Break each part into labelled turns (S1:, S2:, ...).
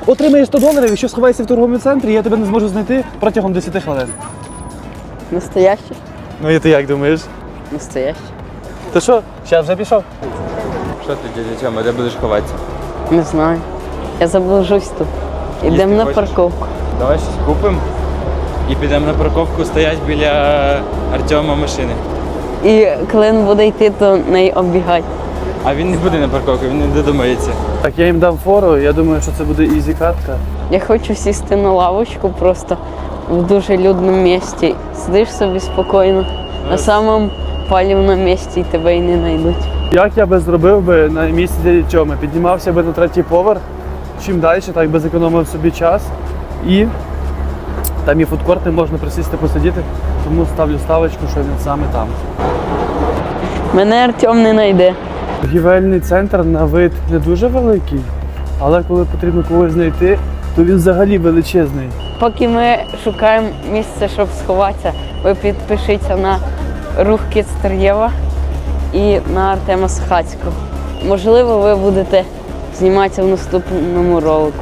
S1: Отримаєш 100 доларів, якщо сховаєшся в торговому центрі, я тебе не зможу знайти протягом 10 хвилин.
S2: Настояще?
S1: Ну і ти як думаєш?
S2: Настояще.
S1: Ти що, зараз вже пішов?
S3: Що ти, дядя Тьома, де будеш ховатися?
S2: Не знаю. Я заблужусь тут. Ідемо на
S3: хочеш?
S2: парковку.
S3: Давай щось купимо і підемо на парковку, стоять біля Артема машини.
S2: І коли він буде йти, то неї оббігати.
S3: А він не буде на парковку, він не додумається.
S1: Так, я їм дам фору, я думаю, що це буде ізі катка.
S2: Я хочу сісти на лавочку просто в дуже людному місці. Сидиш собі спокійно, на самому палівному місці і тебе і не знайдуть.
S1: Як я би зробив би на місці дяді Тьоми? Піднімався би на 3-й поверх, чим далі, так би зекономив собі час. І там є фудкорти, можна присісти посидіти, тому ставлю ставочку, що він саме там.
S2: Мене Артем не знайде.
S1: Торгівельний центр на вид не дуже великий, але коли потрібно когось знайти, то він взагалі величезний.
S2: Поки ми шукаємо місце, щоб сховатися, ви підпишіться на рух Кіцтер'єва і на Артема Схацького. Можливо, ви будете зніматися в наступному ролику.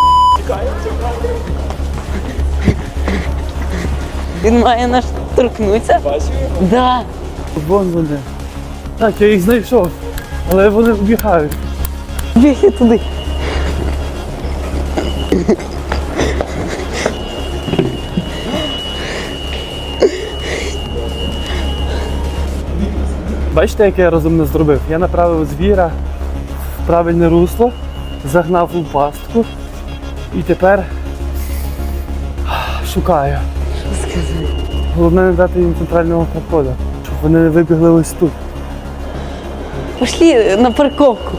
S2: Він має нас торкнутися.
S3: Бачив?
S2: Да.
S1: Вон вони. Так, я їх знайшов, але вони вбігають.
S2: Бігли туди.
S1: Бачите, яке я розумно зробив? Я направив звіра в правильне русло, загнав у пастку і тепер шукаю.
S2: Що сказати?
S1: Головне не дати їм центрального проходу, щоб вони не вибігли ось тут.
S2: Пішли на парковку.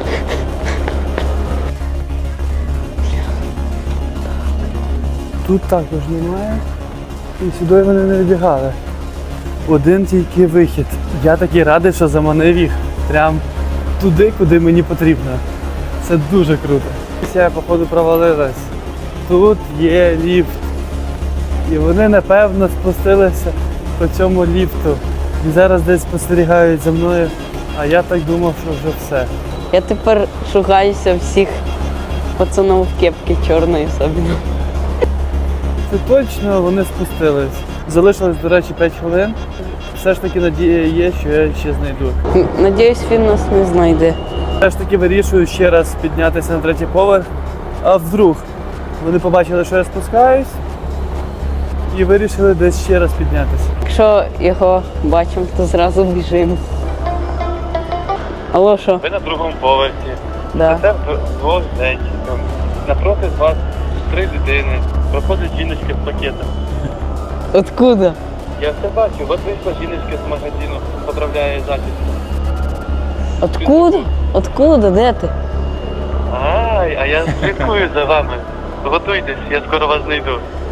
S1: Тут також немає. І сюди вони не вибігали. Один тільки вихід. Я такий радий, що заманив їх прям туди, куди мені потрібно. Це дуже круто. Я, походу, провалилась. Тут є ліфт. І вони, напевно, спустилися по цьому ліфту. І зараз десь спостерігають за мною, а я так думав, що вже все.
S2: Я тепер шукаюся всіх пацанів в кепці чорної особливо.
S1: Це точно вони спустились. Залишилось, до речі, 5 хвилин. Все ж таки надія є, що я ще знайду.
S2: Надіюсь, він нас не знайде.
S1: Все ж таки вирішую ще раз піднятися на 3-й поверх. А вдруг вони побачили, що я спускаюсь і вирішили десь ще раз піднятися.
S2: Якщо його бачимо, то зразу біжимо. Алло, що?
S4: Ви на другому поверсі.
S2: Да.
S4: Це вдвох зайчиком. Напроти вас 3 дитини. Проходить жіночка з пакетом.
S2: Откуда?
S4: Я все бачу, от вийшла жіночка з магазину, поправляє зачіску.
S2: Откуда? Откуда? Де ти?
S4: Ай, а я слідкую за вами. Готуйтесь, я скоро вас знайду.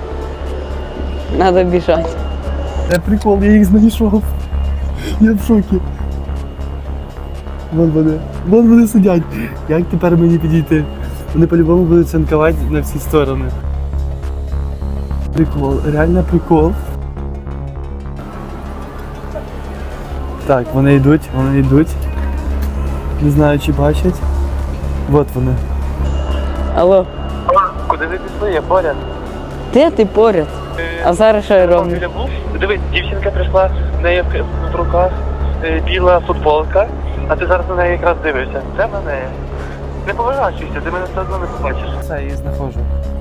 S2: Надо біжати.
S1: Це прикол, я їх знайшов. Я в шокі. Вон вони сидять. Як тепер мені підійти? Вони по-любому будуть цинкувати на всі сторони. Прикол, реально прикол. Так, вони йдуть. Не знаю, чи бачать. От вони.
S2: Алло,
S4: Куди ви пішли? Я поряд.
S2: де ти поряд? А зараз що я роблю?
S4: Дивись, дівчинка прийшла, в неї в руках біла футболка, а ти зараз на неї якраз дивишся. Це на неї. Не поворачуйся, ти мене все одно не побачиш.
S1: Все, я їх знаходжу.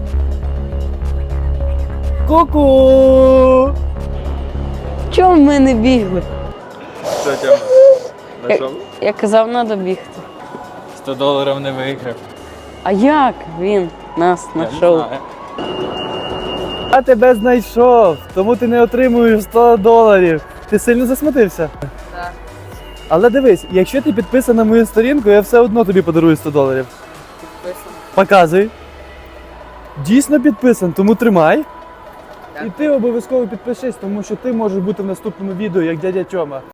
S1: Ку-ку!
S2: Чому ми не бігли?
S3: Що, Тьома? Знайшов?
S2: Я казав, треба бігти.
S3: 100 доларів не виграв.
S2: А як він нас
S3: Я не
S2: знайшов?
S3: знаю.
S1: Я тебе знайшов, тому ти не отримуєш 100 доларів. Ти сильно засмутився?
S2: Так.
S1: Але дивись, якщо ти підписаний на мою сторінку, я все одно тобі подарую 100 доларів.
S2: Підписано.
S1: Показуй. Дійсно підписан, тому тримай. І ти обов'язково підпишись, тому що ти можеш бути в наступному відео, як дядя Тьома.